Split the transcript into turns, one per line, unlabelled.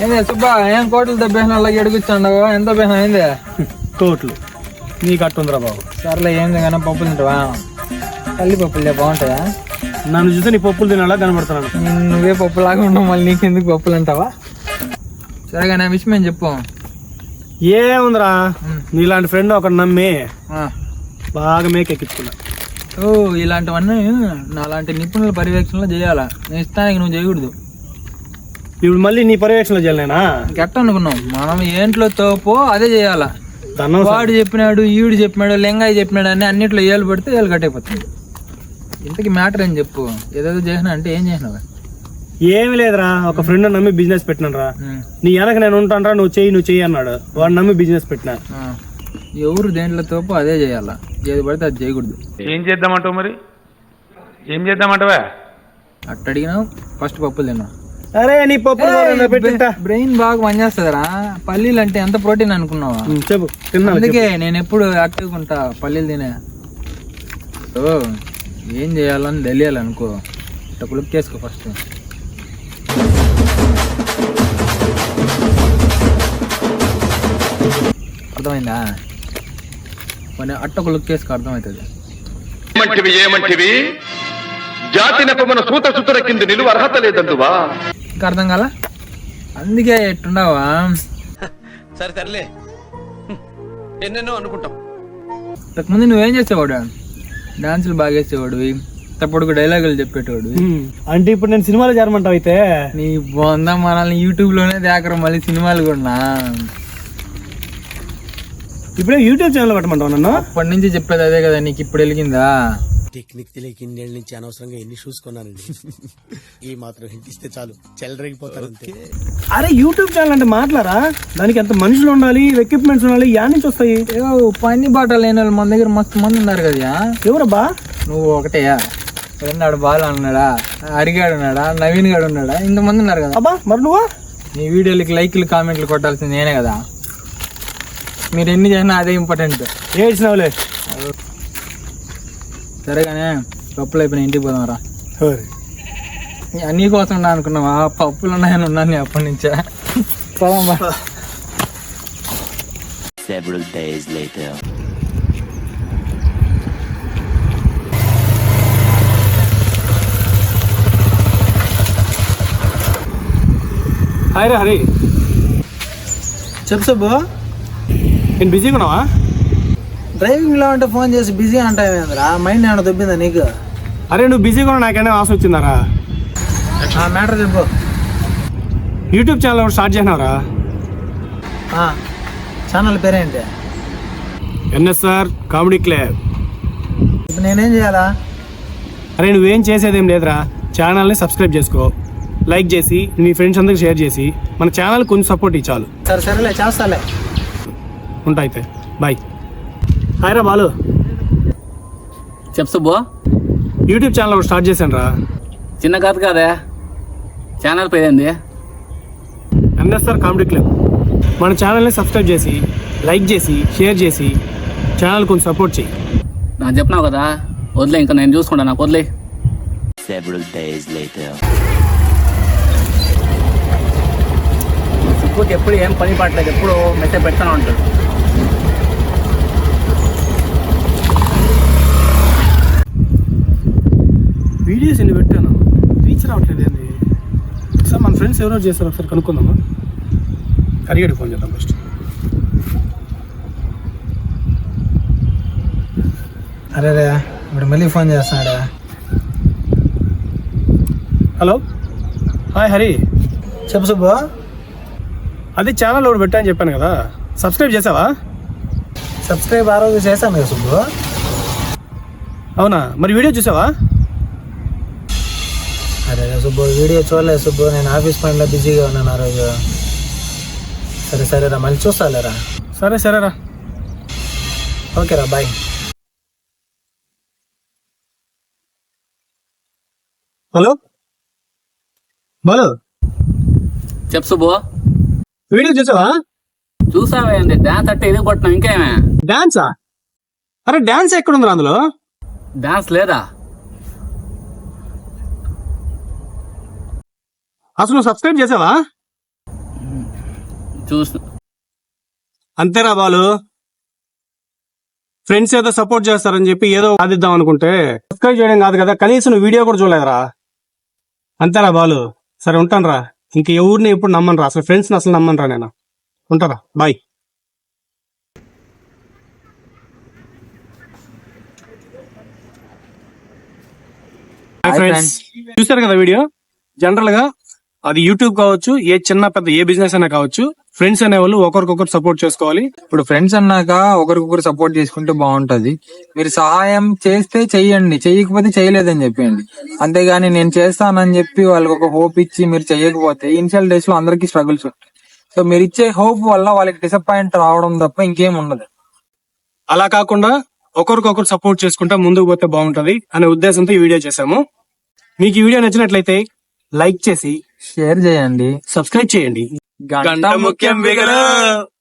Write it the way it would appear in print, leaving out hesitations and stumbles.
ఏందే సుబ్బా ఏం కోట్లు దెబ్బేసిన వాళ్ళకి ఎడుగుచ్చాండవు ఎంత బేహం అయిందే
కోట్లు నీకు అట్టుందిరా బాబు.
సర్లే ఏంది కానీ పప్పులు తింటావా తల్లి పప్పులే బాగుంటాయా
నన్ను చూస్తే నీ పప్పులు తినాలా కనబడుతున్నాను.
నువ్వే పప్పులాగా ఉండవు మళ్ళీ నీకెందుకు పప్పులు అంటావా సరేగా నా విషయం ఏం చెప్పు
ఏముందిరా నీలాంటి ఫ్రెండ్ ఒకటి నమ్మి బాగా మేకెక్కించుకున్నా.
ఓ ఇలాంటివన్నీ నాలాంటి నిపుణుల పర్యవేక్షణలో చేయాలా నేను ఇస్తానికి నువ్వు చేయకూడదు.
ఇప్పుడు మళ్ళీ నీ పర్యవేక్షణలో చేయలేనా?
ఇంకెట్ట అనుకున్నావు మనం ఏంట్లో తోపో అదే చేయాలా. వాడు చెప్పినాడు ఈడు చెప్పినాడు లెంగాయి చెప్పినాడు అని అన్నిట్లో ఏళ్ళు పడితే ఏళ్ళు కట్టయిపోతుంది. ఇంతకీ మ్యాటర్ ఏం చెప్పు ఏదేదో చేసినా అంటే ఏం చేసినావు?
ఏమి లేదురా ఒక ఫ్రెండ్ నమ్మి బిజినెస్ పెట్టినరా. నీ వెనక నేను ఉంటానరా నువ్వు చెయ్యి అన్నాడు. వాడు నమ్మి బిజినెస్ పెట్టినా.
ఎవరు దేంట్లో తోపో అదే చేయాలా ఏది పడితే అది చేయకూడదు.
ఏం చేద్దామంటావు మరి ఏం చేద్దామంటావా?
అట్ట అడిగినావు ఫస్ట్ పప్పులు తిన్నావు.
అరే నీ పప్పు
బ్రెయిన్ బాగా పనిచేస్తుందిరా. పల్లీలు అంటే ఎంత ప్రోటీన్ అనుకున్నావా?
చెప్పు తిన్నా.
అందుకే నేను ఎప్పుడు యాక్టివ్గా ఉంటా పల్లీలు తినే. ఏం చేయాలని తెలియాలనుకో ఇట్లా కులుక్కేసుకో ఫస్ట్. అర్థమైందా? కొన్ని అట్ట కులుక్కేసుకో అర్థమవుతుంది.
ఏమంటివి జాతి నెపమున సూత సుతుల కింద నిలువ అర్హత లేదందువా?
ఇంకా అర్థం కాల అందుకే ఎట్టుండవా?
సరేలే ఎన్నెన్నో అనుకుంటాం.
ఇంతకుముందు నువ్వేం చేసేవాడు? డాన్సులు బాగా వేసేవాడివి, తప్పుడు డైలాగులు చెప్పేటోడివి.
అంటే ఇప్పుడు నేను సినిమాలో చేరమంటావు అయితే?
నీ బొందా మనల్ని యూట్యూబ్ లోనే దేకరం మళ్ళీ సినిమాలు కూడా.
ఇప్పుడే యూట్యూబ్ ఛానల్ పెట్టమంటావు నన్ను?
అప్పటి నుంచి చెప్పేది అదే కదా, నీకు ఇప్పుడు వెలిగిందా?
టెక్నిక్ తెలియక ఇన్నేళ్ళ నుంచి అనవసరంగా ఎన్ని షూస్ కొన్నానండి. ఈ మాత్రం హింట్ ఇస్తే చాలు చెలరేగిపోతారు అంతే.
అరే యూట్యూబ్ ఛానల్ అంటే మాట్లారా? దానికి ఎంత మనుషులు ఉండాలి, ఎక్విప్మెంట్స్ ఉండాలి, యా నుంచి వస్తాయి?
పని బాటలు లేని వాళ్ళు మన దగ్గర మస్తు మంది ఉన్నారు కదా.
ఎవరబ్బా?
నువ్వు ఒకటేయా? రెండాడు బాలు అన్నాడా, హరిగాడు ఉన్నాడా, నవీన్ గాడు ఉన్నాడా, ఇంతమంది ఉన్నారు కదా.
అబ్బా మరి నువ్వా?
నీ వీడియోలకి లైక్లు కామెంట్లు కొట్టాల్సింది నేనే కదా. మీరు ఎన్ని చేసినా అదే ఇంపార్టెంట్.
ఏడ్చినావులే.
సరేగానే పప్పులు అయిపోయినా ఇంటికి పోదాం రా. నీ కోసం ఉన్నా అనుకున్నావా? పప్పులు ఉన్నాయని ఉన్నాను నీ అప్పటి నుంచే. పోదాం.
Several days later.
హాయ్ రా హరి.
చెప్పు సబ్బు,
నేను బిజీగా ఉన్నావా?
డ్రైవింగ్ లో ఉంటే ఫోన్ చేసి బిజీ అంటావేంద్రా? మైండ్ ఏమైనా దొబ్బిందా నీకు?
అరే నువ్వు బిజీగా ఉన్నా నాకేనా ఆశ వచ్చిందారా?
మ్యాటర్ చెప్పు.
యూట్యూబ్ ఛానల్ ఒకటి స్టార్ట్ చేసినావురా.
ఛానల్ పేరేంటి?
NSR comedy club.
ఇప్పుడు నేనేం చేయాలా?
అరే నువ్వేం చేసేదేం లేదురా. ఛానల్ని సబ్స్క్రైబ్ చేసుకో, లైక్ చేసి నీ ఫ్రెండ్స్ అందరికి షేర్ చేసి మన ఛానల్ కొంచెం సపోర్ట్ ఇచ్చాలు.
సరేలే చేస్తాలే.
ఉంటా అయితే బాయ్. హాయ్ రా బాలు.
చెప్పు సుబ్బు.
యూట్యూబ్ ఛానల్ ఒకటి స్టార్ట్ చేశాను రా.
చిన్న కథ కాదే, ఛానల్ పేరేంది?
NSR comedy club. మన ఛానల్ని సబ్స్క్రైబ్ చేసి లైక్ చేసి షేర్ చేసి ఛానల్ కొంచెం సపోర్ట్ చేయి.
నాకు చెప్పినావు కదా, వదిలే, ఇంకా నేను చూసుకుంటా, నాకు వదిలే.
Several days later.
సుబ్బుకి ఎప్పుడు ఏం పని పట్టలేదు, ఎప్పుడు మెసేజ్ పెడతానే ఉంటాడు.
వీడియోస్ ఎన్ని పెట్టాను, రీచ్ రావట్లేదు ఏంది? ఒకసారి మన ఫ్రెండ్స్ ఎవరో చేస్తారు, ఒకసారి కనుక్కుందామా? కరిగడికి ఫోన్ చేద్దాం ఫస్ట్.
అరే ఇప్పుడు మళ్ళీ ఫోన్ చేస్తున్నాడా?
Hello hi Hari.
చెప్పు సుబ్బు.
అది ఛానల్ ఒకటి పెట్టా అని చెప్పాను కదా, సబ్స్క్రైబ్ చేసావా?
సబ్స్క్రైబ్ ఆ రోజు చేశాను కదా సుబ్బు.
అవునా, మరి వీడియో చూసావా?
అరే సుబ్బు వీడియో చూడలేదు సుబ్బు, నేను ఆఫీస్ పనిలో బిజీగా ఉన్నాను ఆ రోజు. సరేరా మళ్ళీ చూస్తాలేరా.
సరేరా.
ఓకేరా బాయ్.
హలో బాలు.
చెప్పు సుబ్బు.
వీడియో చూసావా?
చూసావేంది? డాన్స్ అంటే ఇది కొట్టినావు, ఇంకేమే?
డాన్సా? అరే డాన్స్ ఎక్కడుందిరా అందులో?
డాన్స్ లేదా?
అసలు నువ్వు సబ్స్క్రైబ్ చేసావా?
చూసిన
అంతేరా బాలు, ఫ్రెండ్స్ ఏదో సపోర్ట్ చేస్తారని చెప్పి ఏదో సాధిద్దాం అనుకుంటే సబ్స్క్రైబ్ చేయడం కాదు కదా, కనీసం నువ్వు వీడియో కూడా చూడలేదురా. అంతేరా బాలు, సరే ఉంటానురా. ఇంక ఎవరిని ఎప్పుడు నమ్మనురా, అసలు ఫ్రెండ్స్ని అసలు నమ్మనురా నేను. ఉంటారా, బాయ్. ఫ్రెండ్స్ చూసారు కదా వీడియో. జనరల్ గా అది యూట్యూబ్ కావచ్చు, ఏ చిన్న పెద్ద ఏ బిజినెస్ అయినా కావచ్చు, ఫ్రెండ్స్ అనేవాళ్ళు ఒకరికొకరు సపోర్ట్ చేసుకోవాలి.
ఇప్పుడు ఫ్రెండ్స్ అన్నాక ఒకరికొకరు సపోర్ట్ చేసుకుంటే బాగుంటది. మీరు సహాయం చేస్తే చెయ్యండి, చెయ్యకపోతే చేయలేదని చెప్పండి. అంతేగాని నేను చేస్తానని చెప్పి వాళ్ళకి ఒక హోప్ ఇచ్చి మీరు చెయ్యకపోతే ఇనిషియల్ డేస్ లో అందరికీ స్ట్రగుల్స్ ఉంటాయి. సో మీరు ఇచ్చే హోప్ వల్ల వాళ్ళకి డిసప్పాయింట్ రావడం తప్ప ఇంకేం ఉండదు.
అలా కాకుండా ఒకరికొకరు సపోర్ట్ చేసుకుంటా ముందుకు పోతే బాగుంటది అనే ఉద్దేశంతో ఈ వీడియో చేశాము. మీకు ఈ వీడియో నచ్చినట్లయితే లైక్ చేసి
షేర్ చేయండి,
సబ్స్క్రైబ్ చేయండి.
గంట ముఖ్యం బిగలు.